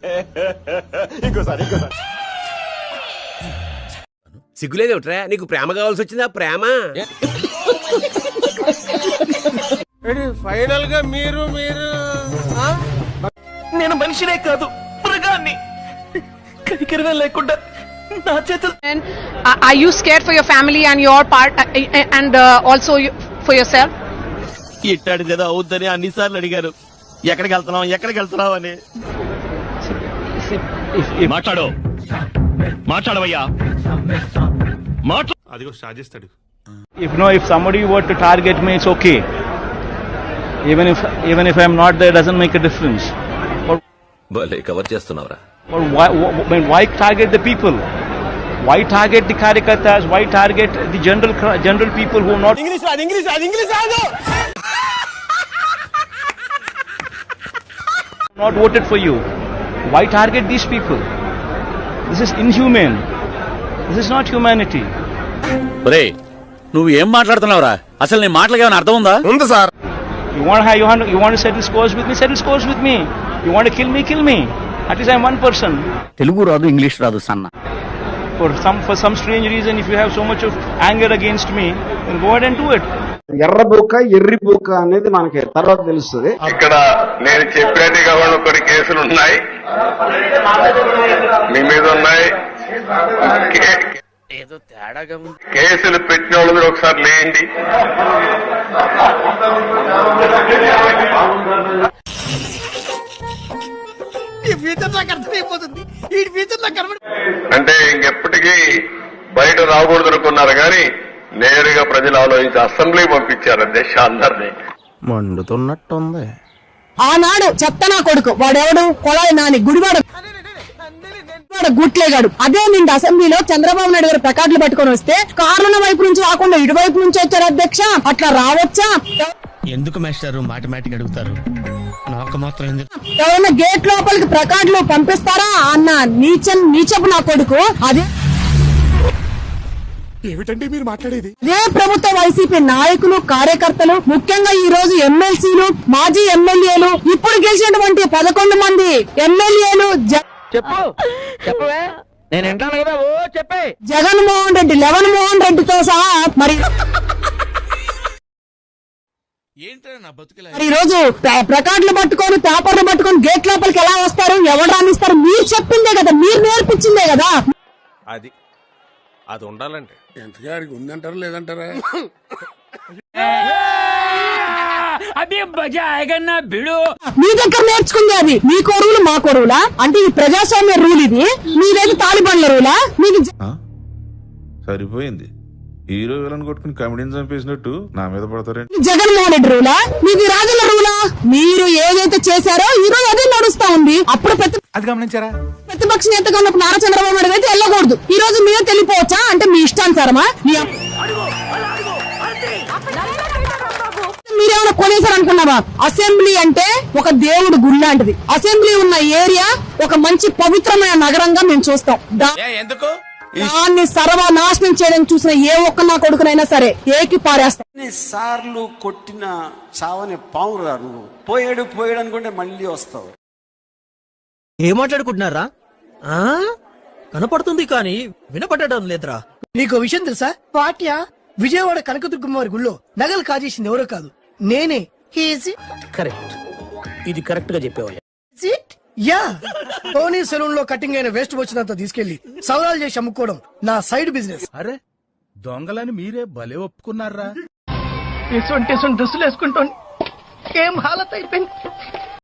ఇంకోసారి సిగ్గులేదేమిట్రా? నీకు ప్రేమ కావాల్సి వచ్చిందా? ప్రేమ ఫైనల్ గా మీరు నేను మనిషినే కాదు మృగాన్ని. కనికరమే లేకుండా నా చేతులు. Are you scared for your family and your part and also for yourself? ఇట్టాడిదేదో అవుద్దని అన్నిసార్లు అడిగారు. ఎక్కడికి వెళ్తున్నావు అని. మాట్లాడవయ్యా. అదిగో స్టార్ట్ చేస్తాడు. If somebody were to target me, it's okay. Even if I'm not there, it doesn't make a difference. భలే cover చేస్తున్నావురా. Why target the people? Why target the karyakartas? Why target the general people who are not? English రాదు. Not voted for you. Why target these people? This is inhumane. This is not humanity. ఒరేయ్, నువ్వు ఏం మాట్లాడుతున్నావురా? అసలు నీ మాటలకి ఏమైనా అర్థం ఉందా? ఉంది sir. You want to settle scores with me? Settle scores with me. You want to kill me? Kill me. At least I'm one person. Telugu రాదు, ఇంగ్లీష్ రాదు సన్న. For some strange reason, if you have so much of anger against me, then go ahead and do it. ఎర్రి బుక్క అనేది మనకి తర్వాత తెలుస్తుంది. ఇక్కడ నేను చెప్పేట్టుగా కొన్ని కేసులు ఉన్నాయి, మీ మీద ఉన్నాయి. ఏదో తేడాగా కేసులు పెట్టిన వాళ్ళు మీరు ఒకసారి లేండి. అంటే ఇంకెప్పటికీ బయట రాకూడదు అనుకున్నారు కానీ నేరుగా ప్రజలు ఆలోచించి అసెంబ్లీ పంపించారు అధ్యక్ష అందరినీ. మండుతున్నట్టుంది. ఆనాడు చెప్తానా కొడుకు వాడెవడు కొడాలి నాని గుడివాడ గుట్లేగాడు. అదే నిండు అసెంబ్లీలో చంద్రబాబు నాయుడు గారు ప్లకార్డులు పట్టుకొని వస్తే కార్ల వైపు నుంచి రాకుండా ఇటువైపు నుంచి వచ్చారు అధ్యక్ష. అట్లా రావచ్చా? ఎందుకు మాస్టారు మాటిమాటికి అడుగుతారు? నాకు మాత్రం ఎవరైనా గేట్ లోపలికి ప్లకార్డులు పంపిస్తారా అన్న నీచపు నా కొడుకు. అదే ఏమిటండి మీరు మాట్లాడేది? అదే ప్రభుత్వ వైసీపీ నాయకులు కార్యకర్తలు, ముఖ్యంగా ఈ రోజు ఎమ్మెల్సీలు, మాజీ ఎమ్మెల్యేలు, ఇప్పుడు గెలిచినటువంటి 11 మంది ఎమ్మెల్యేలు జగన్మోహన్ రెడ్డి, లెవెన్ మోహన్ రెడ్డితో సహా మరి ఈ రోజు ప్లకార్డులు పట్టుకొని పేపర్లు పట్టుకొని గేట్ లోపలికి ఎలా వస్తారు? ఎవరు రానిస్తారు? మీరు చెప్పిందే కదా, మీరు నేర్పించిందే కదా. అది ఉండాలంటే ఎంతగా ఉందంటారా లేదంటారా? మీ దగ్గర నేర్చుకుంది అది. మీ కొరువులు మా కొరువులా? అంటే ఈ ప్రజాస్వామ్య రూల్ ఇది, మీదైతే తాలిబాన్ల రూలా? మీకు సరిపోయింది. హీరో విలన్ కొట్టుకుని కమెడీని చంపేసినట్టు నా మీద పడతారండి. జగన్మోహన్ రెడ్డి రూలా? మీది రాజుల రూలా? మీరు ఏదైతే చేశారో ఈ రోజు అదే నడుస్తా ఉంది. అప్పుడు అది గమనించారా? ప్రతిపక్ష నేతగా ఉన్న నారా చంద్రబాబు నాయుడు అయితే వెళ్ళకూడదు. ఈ రోజు మీరే తెలిపోవచ్చా? అంటే మీ ఇష్టానుసారమా? మీరేమైనా కొనేసారనుకున్నావా? అసెంబ్లీ అంటే ఒక దేవుడు గుడి లాంటిది. అసెంబ్లీ ఉన్న ఏరియా ఒక మంచి పవిత్రమైన నగరంగా మేము చూస్తాం. దాన్ని సర్వనాశనం చేయడానికి చూసిన ఏ ఒక్క నా కొడుకునైనా సరే ఏకి పారేస్తాం. సార్లు కొట్టిన చావని పావురా నువ్వు. పోయాడు అనుకుంటే మళ్ళీ వస్తావు. ఏం మాట్లాడుకుంటున్నారా? కనపడుతుంది కానీ వినపడటం లేదురా. నీకు విషయం తెలుసా? పాట్యా విజయవాడ కనకదుర్గమ్మ వారి గుళ్ళో నగలు కాజేసింది ఎవరో కాదు, నేనే. కరెక్ట్, ఇది కరెక్ట్ గా చెప్పావయ్యా. యా, టోనీ సెలూన్ లో కటింగ్ అయిన వేస్ట్ వచ్చినంత తీసుకెళ్లి సవరాలు చేసి అమ్ముకోవడం నా సైడ్ బిజినెస్. అరే దొంగలని మీరే భలే ఒప్పుకున్నారా? డ్రెస్సులు వేసుకుంటాను ఏం హాలత్ అయిపోయింది.